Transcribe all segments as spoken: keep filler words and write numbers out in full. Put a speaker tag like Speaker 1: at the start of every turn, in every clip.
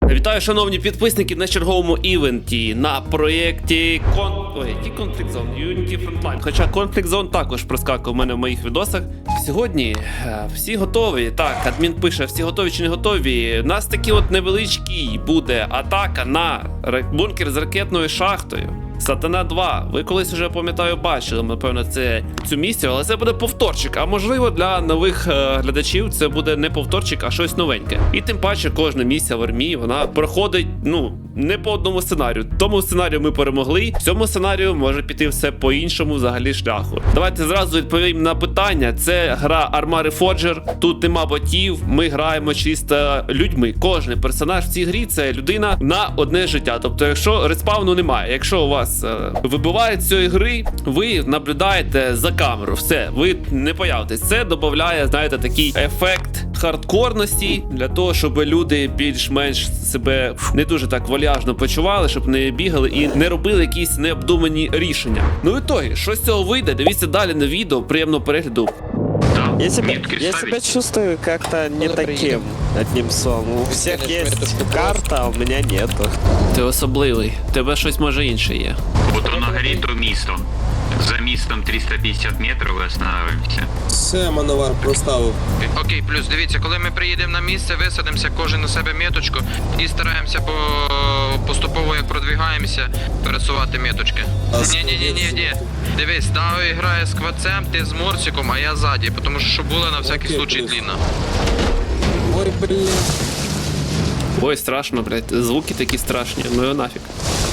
Speaker 1: Вітаю, шановні підписники, на черговому івенті на проєкті Кон... Ой, який Conflict Zone? Unity Frontline. Хоча Conflict Zone також проскакує у мене в моїх відосах. Сьогодні е, всі готові. Так, адмін пише, всі готові чи не готові. У нас такий от невеличкий буде атака на бункер з ракетною шахтою. Сатана два. Ви колись вже, пам'ятаю, бачили, напевно, це цю місію, але це буде повторчик. А можливо, для нових е, глядачів це буде не повторчик, а щось новеньке. І тим паче кожна місія в армії, вона проходить, ну, не по одному сценарію. Тому сценарію ми перемогли, в цьому сценарію може піти все по іншому взагалі шляху. Давайте зразу відповім на питання. Це гра Arma Reforger, тут нема ботів, ми граємо чисто людьми. Кожен персонаж в цій грі це людина на одне життя. Тобто, якщо респауну немає, якщо у вас вибивають з цієї гри, ви наблюдаєте за камеру. Все, ви не появитесь. Це додає, знаєте, такий ефект хардкорності, для того, щоб люди більш-менш себе не дуже так вальяжно почували, щоб не бігали і не робили якісь необдумані рішення. Ну і тоді, що з цього вийде, дивіться далі на відео, приємного перегляду.
Speaker 2: Я себя, я себя чувствую как-то не таким, одним словом. У всех есть карта, а у меня нету.
Speaker 1: Ти особливий, тебе щось може інше є.
Speaker 3: Вот на горі то місто. За містом триста п'ятдесят метрів і останавливаємося.
Speaker 4: Все, мановар проставив.
Speaker 5: Окей, плюс, дивіться, коли ми приїдемо на місце, висадимося кожен на себе меточку і стараємося по поступово, як продвигаємося, пересувати меточки. Ні-ні-ні-ні-ні. Дивись, Дави грає з квацем, ти з Морсиком, а я ззаді, тому що щоб було на всякий
Speaker 4: Окей,
Speaker 5: случай
Speaker 4: плюс.
Speaker 5: длинно.
Speaker 4: Ой, блін.
Speaker 1: Ой, страшно, блядь, звуки такі страшні, ну його нафіг.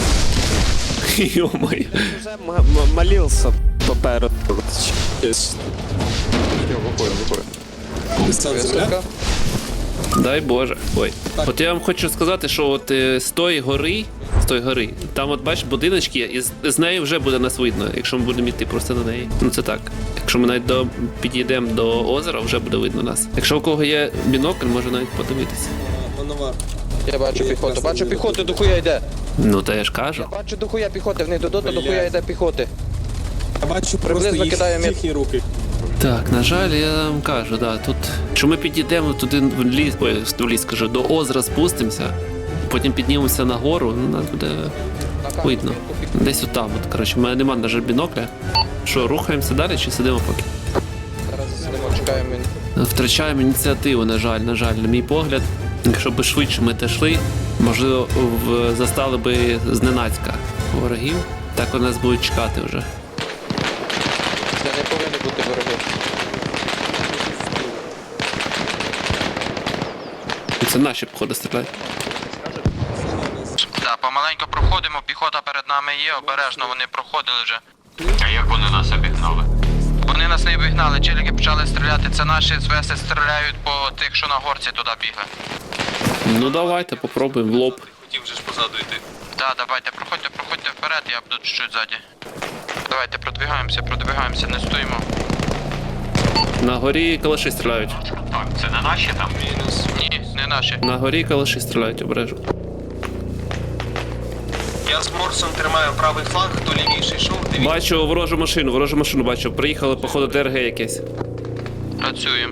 Speaker 1: Ё-моё.
Speaker 2: Уже м- м- молился попереду.
Speaker 4: Сам земля?
Speaker 1: Дай Боже. Ой. От я вам хочу сказати, що от е, з тої гори, з тої гори, там от бачиш будиночки, і з, з неї вже буде нас видно, якщо ми будемо йти просто на неї. Ну це так. Якщо ми навіть до, підійдемо до озера, вже буде видно нас. Якщо у кого є бінокль, може навіть подивитися.
Speaker 4: Мановар.
Speaker 6: Я бачу піхоту, бачу піхоту, дохуя йде.
Speaker 1: Ну та я ж кажу.
Speaker 6: Бачу дохуя піхоти, в них додому
Speaker 4: Блядь.
Speaker 6: дохуя йде піхоти.
Speaker 4: Я бачу просто
Speaker 6: Приблизно
Speaker 4: їх
Speaker 6: кидаю мет-
Speaker 4: тихі руки.
Speaker 1: Так, на жаль, я вам кажу, да, тут, що ми підійдемо туди в ліс, ой, в ліс, кажу, до озера спустимося, потім піднімемося на гору, ну, нас буде видно. Десь отам, от, коротше, в мене нема, на жаль, бінокля. Що, рухаємося далі чи сидимо поки?
Speaker 6: Зараз засидимо, чекаємо.
Speaker 1: Втрачаємо ініціативу, на жаль, на жаль, на мій погляд. Якщо б швидше ми те йшли, можливо, в... застали би зненацька ворогів, так вони нас будуть чекати вже.
Speaker 6: Це не повинні бути вороги.
Speaker 1: І це наші, походу, стріляють.
Speaker 5: Так, помаленько проходимо, піхота перед нами є, обережно вони проходили вже.
Speaker 3: А як вони нас обігнали?
Speaker 5: Вони нас не обігнали, челіки почали стріляти, це наші звеси стріляють по тих, що на горці туди бігли.
Speaker 1: Ну давайте, попробуємо в лоб.
Speaker 5: Хотів вже ж позаду йти. Так, давайте, проходьте, проходьте вперед, я буду чуть-чуть ззаді. Давайте, продвигаємося, продвигаємося, не стоїмо.
Speaker 1: На горі калаші стріляють.
Speaker 3: Так, це не наші там?
Speaker 5: Ні, не наші.
Speaker 1: На горі калаші стріляють, обережно.
Speaker 7: Я з Морсом тримаю правий фланг, хто лівіший йшов, дивіться.
Speaker 1: Бачу ворожу машину, ворожу машину бачу. Приїхали, походу, ДРГ якесь.
Speaker 5: Працюємо.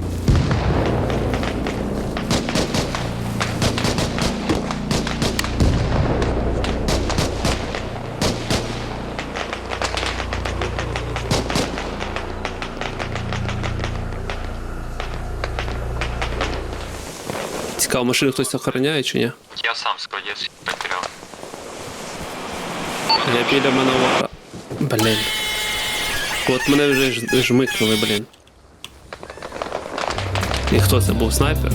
Speaker 1: Цікаво, машину хтось охороняє чи ні?
Speaker 3: Я сам складець потеряв.
Speaker 1: Я біля мановара. Блін. От мене вже ж- жмикнули, блін. І хто це був, снайпер?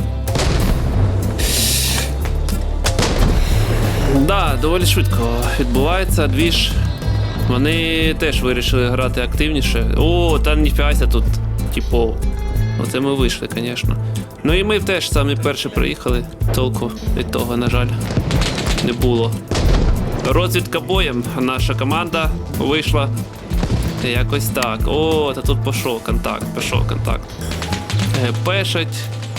Speaker 1: Да, доволі швидко відбувається двіж. Вони теж вирішили грати активніше. О, там ніфігася тут, типу. Оце ми вийшли, звісно. Ну і ми теж самі перші приїхали. Толку від того, на жаль, не було. Розвідка боєм. Наша команда вийшла. Якось так. О, та тут пішов контакт, пішов контакт. Пешать.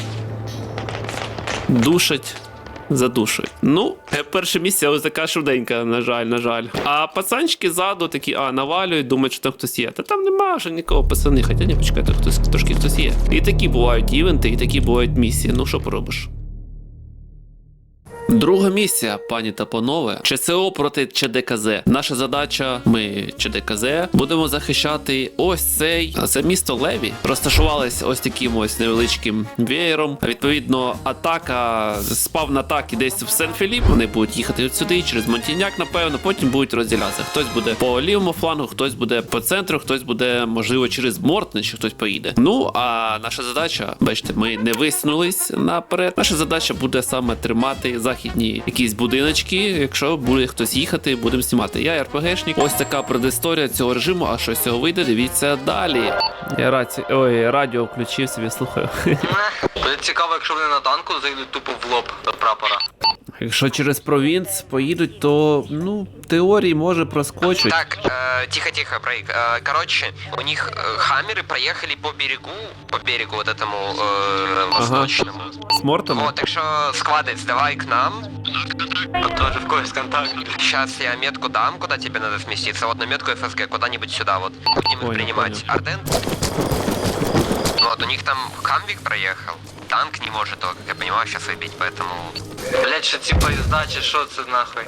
Speaker 1: Душать. Задушують. Ну, перше місце ось така швиденька, на жаль, на жаль. А пацанчики ззаду такі, а, навалюють, думають, що там хтось є. Та там нема вже нікого, пацани, хоча ні, почекайте, хтось, трошки хтось є. І такі бувають івенти, і такі бувають місії. Ну, що поробиш? Друга місія, пані та панове, ЧСО проти ЧДКЗ. Наша задача, ми ЧДКЗ, будемо захищати ось цей, це місто Леві. Розташувались ось таким ось невеличким веєром. Відповідно, атака, спавн атаки десь в Сен-Філіп. Вони будуть їхати от сюди, через Монтіняк, напевно, потім будуть розділятися. Хтось буде по лівому флангу, хтось буде по центру, хтось буде, можливо, через Мортне, чи хтось поїде. Ну, а наша задача, бачите, ми не висунулись наперед. Наша задача буде саме тримати західні якісь будиночки. Якщо буде хтось їхати, будемо знімати. Я РПГшник. Ось така предісторія цього режиму. А що з цього вийде, дивіться далі. Я раці... Ой, радіо включив собі, слухаю.
Speaker 7: Буде цікаво, якщо вони на танку зайдуть тупо в лоб до прапора.
Speaker 1: Якщо через провінц поїдуть, то, ну, в теорії може проскочить.
Speaker 8: Так, э, тихо-тихо, Брейк. Э, короче, у них э, хаммеры проехали по берегу, по берегу вот этому э, восточному.
Speaker 1: З Мортом?
Speaker 8: Вот, так что, складывай, давай к нам.
Speaker 7: Тоже в когось контакт.
Speaker 8: Сейчас я метку дам, куда тебе надо сместиться. Вот на метку эф эс гэ, куда-нибудь сюда вот. Будем их
Speaker 1: Понял,
Speaker 8: принимать.
Speaker 1: понял.
Speaker 8: Арден? Вот, у них там хамвик проехал. Танк не может его, как я понимаю, сейчас выбить, поэтому...
Speaker 7: Блять, що ці поїзда, чи що це нахуй?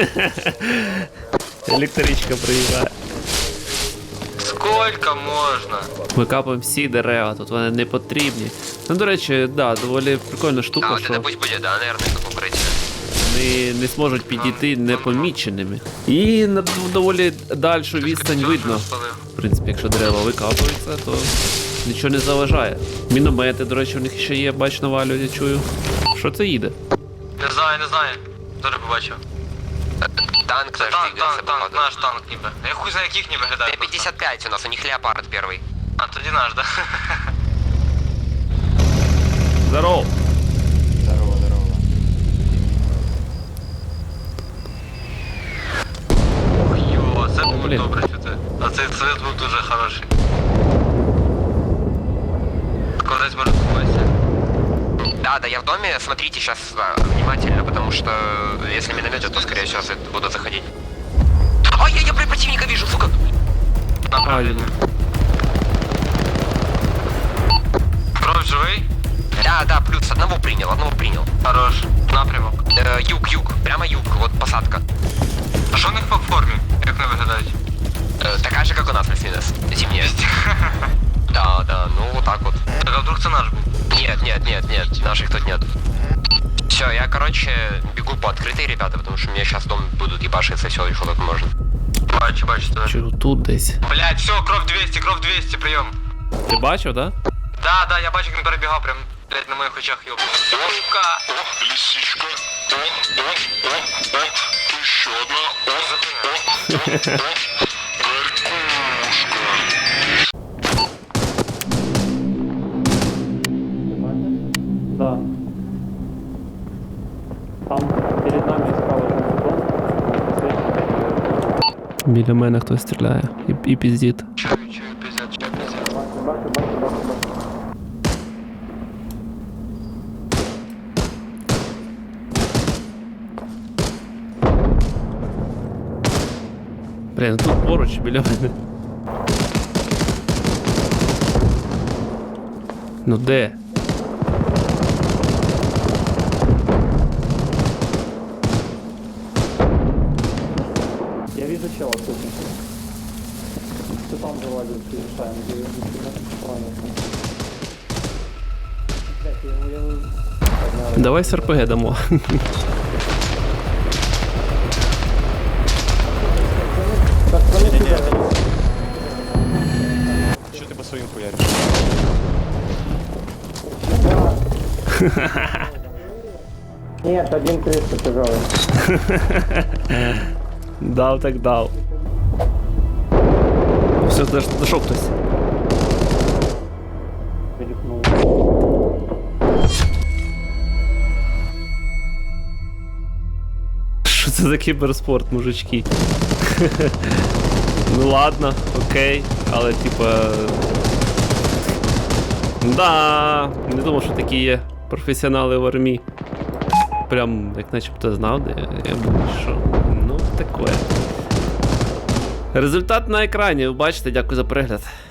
Speaker 1: Електричка приїжджає.
Speaker 7: Сколько можна?
Speaker 1: Ми капаємо всі дерева, тут вони не потрібні. Ну, до речі, да, доволі прикольна
Speaker 8: А,
Speaker 1: штука,
Speaker 8: вот
Speaker 1: що
Speaker 8: это пусть будет, да, наверное, как укрытие.
Speaker 1: вони не зможуть підійти непоміченими. І на доволі дальшу відстань видно. В принципі, якщо дерева викапуються, то нічого не заважає. Міномети, до речі, у них ще є, бач, навалюють, я чую. Що це їде?
Speaker 7: Не знаю, не знаю. Тоже побачив.
Speaker 8: Танк
Speaker 7: Це
Speaker 8: наш
Speaker 7: танк,
Speaker 8: двигается,
Speaker 7: танк, танк,
Speaker 8: походу.
Speaker 7: наш танк ніби. Я хуй знаю, яких не виглядає.
Speaker 8: Т пятьдесят пять у нас, у них Леопард первый.
Speaker 7: А тоді наш, да?
Speaker 1: Здорово!
Speaker 6: Здорово, здорово.
Speaker 7: Ох, йо, це було
Speaker 1: Блін.
Speaker 7: добре чути. А цей цвет був дуже хороший. Кудись може купатися.
Speaker 8: Да, да, я в доме, смотрите сейчас внимательно, потому что если минометят, то скорее всего буду заходить. Ой, я, я блин, противника вижу, сука!
Speaker 7: Направлення. Кров живий?
Speaker 8: Да, да, плюс одного принял, одного принял.
Speaker 7: Хорош. Напрямок.
Speaker 8: Э, юг, юг, прямо юг, вот посадка.
Speaker 7: А що в них по формі? Як не виглядають?
Speaker 8: Э, такая же, как у нас, плюс-минус, зимняя. Да, да, ну вот так вот.
Speaker 7: Так, а вдруг це наш був?
Speaker 8: Нет, нет, нет, нет, наших тут нет. Все, я, короче, бегу по открытой, ребята, потому что мне сейчас дом будут ебашиться, все, что тут можно.
Speaker 7: Бачу, бачу тебе.
Speaker 1: Чи тут десь?
Speaker 7: Блять, все, кров двісті, кров двісті, прийом.
Speaker 1: Ти бачив, да?
Speaker 7: Да, да, я бачу, як він перебігав прям, блять, на моїх очах, йоп. Сука!
Speaker 9: О, лисичка. О, о, о, о. Еще одна. О, о, о, о. Горькушка.
Speaker 1: Да. Там перед нами справа. Біля мене хтось стріляє і, і піздить.
Speaker 7: Чую, чую, пиздят, чую, пиздят.
Speaker 1: Блін, тут поруч біля мене. Ну де?
Speaker 10: Я вижу чела тут. Ты там завалил, ты решаем, где я Блять, я его...
Speaker 1: Давай з РПГ дамо.
Speaker 10: Так, кроме тебя.
Speaker 2: Что ты по своим хуяришь?
Speaker 10: Нет, один триста, пожалуйста.
Speaker 1: Дав так дав. Все, дошов хтось.
Speaker 10: Перепнул.
Speaker 1: Що це за кіберспорт, мужички? Ну ладно, окей, але типа. Да, не думав, що такі є професіонали в армії. Прям як начебто знав, де я був, що. Ну, таке. Результат на екрані, ви бачите, дякую за перегляд.